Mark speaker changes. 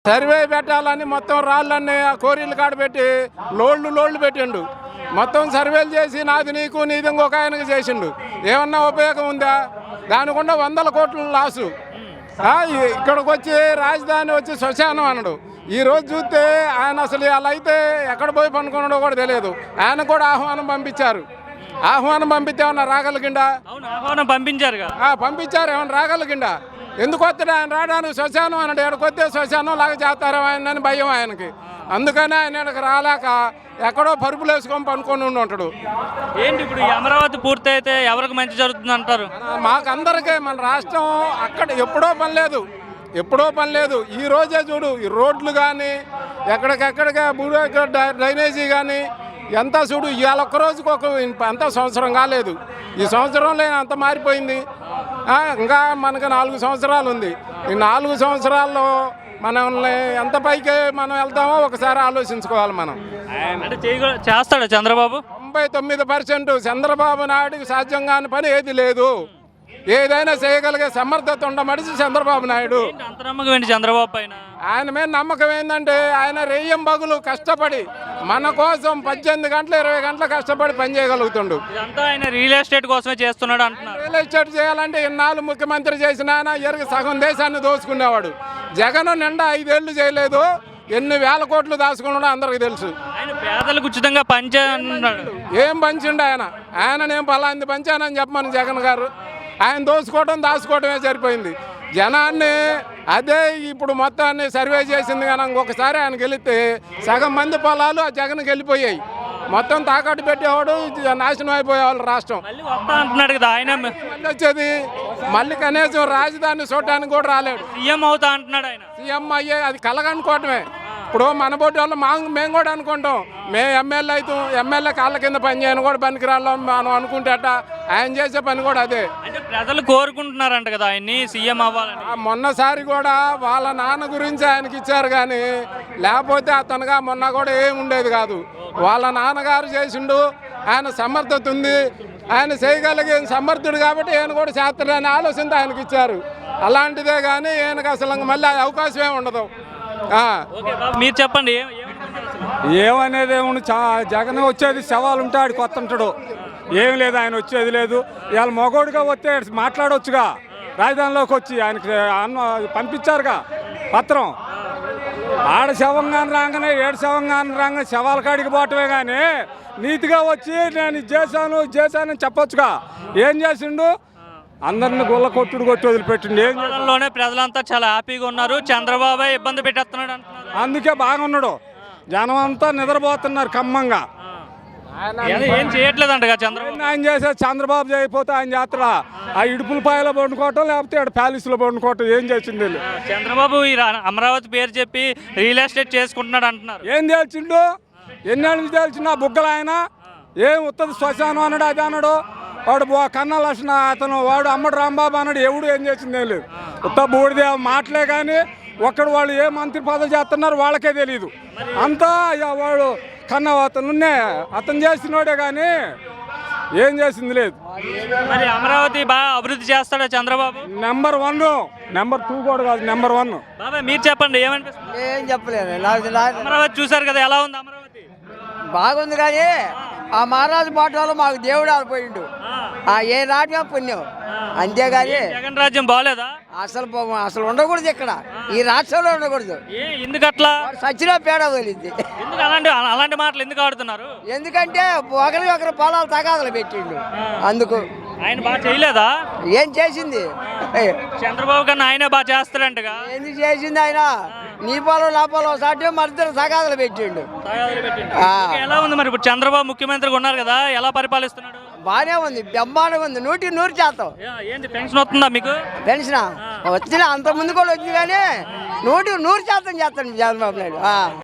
Speaker 1: Survey పెట్టాలని మొత్తం రాళ్ళన్నీ ఆ కోరీలు కాడ పెట్టి లోళ్ళు పెట్టిండు. మొత్తం సర్వేలు చేసి నాది నీకు నీది ఇంకొక ఆయనకి చేసిండు. ఏమన్నా ఉపయోగం ఉందా? దానికుండా 100 కోట్ల లాసు. ఇక్కడికి వచ్చి రాజధాని వచ్చి శ్మశానం అన్నాడు. ఈరోజు చూస్తే ఆయన అసలు అలా అయితే ఎక్కడ పోయి పనుకున్నాడో కూడా తెలియదు. ఆయన కూడా ఆహ్వానం పంపించారు. ఆహ్వానం పంపితే ఏమన్నా రాగలిగిండా?
Speaker 2: ఆహ్వానం పంపించారు.
Speaker 1: పంపించారు, ఏమన్నా రాగలిగిండా? ఎందుకు వస్తాడు ఆయన? రావడానికి శ్మశానం అన్నాడు. ఎక్కడికొస్తే శ్మశానం లాగా చేస్తారు ఆయన అని భయం ఆయనకి. అందుకని ఆయన ఇక్కడికి రాలేక ఎక్కడో పరుపులు వేసుకొని పనుకొని ఉంటాడు.
Speaker 2: ఏంటి ఇప్పుడు ఈ అమరావతి పూర్తి అయితే ఎవరికి మంచి జరుగుతుంది అంటారు?
Speaker 1: మాకందరికీ మన రాష్ట్రం అక్కడ ఎప్పుడో పని లేదు. ఈ రోజే చూడు, ఈ రోడ్లు కానీ ఎక్కడికెక్కడికి డ్రైనేజీ కానీ ఎంత చూడు. ఇవాళ ఒక్కరోజుకి అంత సంవత్సరం కాలేదు. ఈ సంవత్సరంలో అంత మారిపోయింది. ఇంకా మనకు 4 సంవత్సరాలు ఉంది. ఈ 4 సంవత్సరాల్లో మనల్ని ఎంత పైకి మనం వెళ్తామో ఒకసారి ఆలోచించుకోవాలి మనం.
Speaker 2: అంటే చేస్తాడు చంద్రబాబు?
Speaker 1: 99% చంద్రబాబు నాయుడుకి సాధ్యం కాని పని ఏది లేదు. ఏదైనా చేయగలిగే సమర్థత ఉండ మనిషి చంద్రబాబు నాయుడు.
Speaker 2: అంత నమ్మకం ఏంటి చంద్రబాబు పైన?
Speaker 1: ఆయన మీద నమ్మకం ఏంటంటే ఆయన రెయ్యం బగులు కష్టపడి మన కోసం 18 గంటలు 20 గంటలు కష్టపడి పని చేయగలుగుతుండు.
Speaker 2: ఇదంతా ఆయన రియల్ ఎస్టేట్ కోసమే చేస్తున్నాడు అంటున్నారు.
Speaker 1: రియల్ ఎస్టేట్ చేయాలంటే ఇన్నాళ్ళు ముఖ్యమంత్రి చేసిన ఆయన ఎరుగు సగం దేశాన్ని దోచుకునేవాడు. జగన్ నిండా 5 ఏళ్ళు చేయలేదు. ఎన్ని వేల కోట్లు దాచుకున్నాడో అందరికి తెలుసు.
Speaker 2: ఆయన పేదలకు ఉచితంగా పంచాడు.
Speaker 1: ఏం పంచిండు ఆయన? నేను పలాంది పంచానని చెప్పమని జగన్ గారు. ఆయన దాచుకోవడమే సరిపోయింది. జనాన్ని అదే ఇప్పుడు మొత్తాన్ని సర్వే చేసింది కానీ ఇంకొకసారి ఆయన గెలిస్తే సగం మంది పొలాలు ఆ జగన్కి వెళ్ళిపోయాయి. మొత్తం తాకట్టు పెట్టేవాడు, నాశనం అయిపోయేవాళ్ళు రాష్ట్రం.
Speaker 2: అంటున్నాడు కదా ఆయన.
Speaker 1: మళ్ళీ వచ్చేది మళ్ళీ కనీసం రాజధాని చూడటానికి కూడా రాలేడు.
Speaker 2: సీఎం అవుతా అంటున్నాడు ఆయన.
Speaker 1: సీఎం అయ్యే అది కలగనుకోవటమే. ఇప్పుడు మన బోటి వాళ్ళు మేము కూడా అనుకుంటాం, మేము ఎమ్మెల్యే కాళ్ళ కింద పని చేయని కూడా పనికిరాళ్ళం మనం అనుకుంటేట. ఆయన చేసే పని కూడా అదే.
Speaker 2: అంటే ప్రజలు కోరుకుంటున్నారంట కదా ఆయన్ని సీఎం అవ్వాలని.
Speaker 1: మొన్నసారి కూడా వాళ్ళ నాన్న గురించి ఆయనకి ఇచ్చారు కానీ లేకపోతే అతనుగా మొన్న కూడా ఏమి ఉండేది కాదు. వాళ్ళ నాన్నగారు చేసిండు. ఆయన సమర్థత ఉంది, ఆయన చేయగలిగే సమర్థుడు కాబట్టి ఈయన కూడా చేస్తాడని ఆలోచనతో ఆయనకి ఇచ్చారు. అలాంటిదే కానీ ఈయనకు అసలు మళ్ళీ అవకాశం ఏమి ఉండదు.
Speaker 2: మీరు చెప్పండి.
Speaker 3: ఏమనేది ఏముంది? జగన్ వచ్చేది శవాలు ఉంటాడు, కొత్త ఉంటాడు. ఏం లేదు, ఆయన వచ్చేది లేదు. ఇవాళ మగోడుగా వస్తే మాట్లాడవచ్చుగా. రాజధానిలోకి వచ్చి ఆయనకి పంపించారుగా పత్రం. ఆడ శవంగాని రాగానే 7 శవంగాని రాగానే శవాల కాడికి పోవటమే కానీ నీతిగా వచ్చి నేను ఇది చేశాను చెప్పొచ్చుగా. ఏం చేసిండు? అందరిని గుల్ల కొట్టి వదిలిపెట్టిండు.
Speaker 2: లోనే ప్రజలంతా చాలా హ్యాపీగా ఉన్నారు. చంద్రబాబు ఇబ్బంది పెట్టేస్తున్నాడు అంటున్నారు.
Speaker 3: అందుకే బాగున్నాడు. జనం అంతా నిద్రపోతున్నారు కమ్మంగా.
Speaker 2: ఏం చేయట్లేదంట చంద్రబాబు.
Speaker 3: ఆయన చేసేది చంద్రబాబు చేయకపోతే ఆయన చేస్తాడా? ఆ ఇడుపులపాయలో పండుకోవటం, లేకపోతే ఇక్కడ ప్యాలెస్లో పండుకోవటం. ఏం చేసింది?
Speaker 2: చంద్రబాబు ఈ అమరావతి పేరు చెప్పి రియల్ ఎస్టేట్ చేసుకుంటున్నాడు అంటున్నారు.
Speaker 3: ఏం తేల్చిండు? ఎన్నేళ్ళు తేల్చిండు? ఆ బుగ్గలు ఆయన ఏం ఉత్తది శ్మశానం అన్నాడు, అది అన్నాడు. వాడు కన్నా లక్షణ అతను వాడు అమ్మడు రాంబాబు అన్నాడు. ఎవడు ఏం చేసింది ఏం లేదు. ఉత్త బూడిదే మాటలే కానీ ఒక్కడు వాళ్ళు ఏ మంత్రి పదవి చేస్తున్నారు వాళ్ళకే తెలియదు. అంతా వాడు కన్నా అతను చేసినోడే కానీ ఏం చేసింది లేదు.
Speaker 2: మరి అమరావతి బాగా అభివృద్ధి చేస్తాడా చంద్రబాబు?
Speaker 3: నెంబర్ 1, నెంబర్ 2 కూడా కాదు, నెంబర్ 1.
Speaker 2: బాబాయ్ మీరు చెప్పండి, ఏమనిపిస్తుంది?
Speaker 4: ఏం చెప్పలేదు.
Speaker 2: అమరావతి చూసారు కదా, ఎలా ఉంది అమరావతి?
Speaker 4: బాగుంది కానీ ఆ మహారాజు పాటలో మాకు దేవుడు ఆడిపోయిండు. ఏ నాటకం పుణ్యం అంతేగాని
Speaker 2: జగన్ రాజ్యం బాగలేదా?
Speaker 4: అసలు ఉండకూడదు ఇక్కడ, ఈ రాష్ట్రంలో ఉండకూడదు.
Speaker 2: ఎందుకట్లా?
Speaker 4: సచ్చినా పేడ వదిలింది.
Speaker 2: ఎందుకు అలాంటి మాటలు ఎందుకు ఆడుతున్నారు?
Speaker 4: ఎందుకంటే ఒకరి పొలాలు తగాదలు పెట్టిండు. అందుకు
Speaker 2: ఆయన బాగా చేయలేదా?
Speaker 4: ఏం చేసింది?
Speaker 2: చంద్రబాబు కన్నా ఆయనే బాగా చేస్తాడంటగా.
Speaker 4: ఎందుకు చేసింది? ఆయన నీ పొలం నా పొలం సాటి మరిద్దరు తగాదలు పెట్టిండు.
Speaker 2: ఎలా ఉంది మరి ఇప్పుడు చంద్రబాబు ముఖ్యమంత్రిగా ఉన్నారు కదా, ఎలా పరిపాలిస్తున్నాడు?
Speaker 4: బానే ఉంది, బ్రహ్మాండంగా ఉంది. 100%
Speaker 2: ఏంటి పెన్షన్ వస్తుందా మీకు?
Speaker 4: పెన్షన్ వచ్చిన అంత ముందు కూడా వచ్చింది కానీ 100% చేస్తాను చంద్రబాబు నాయుడు.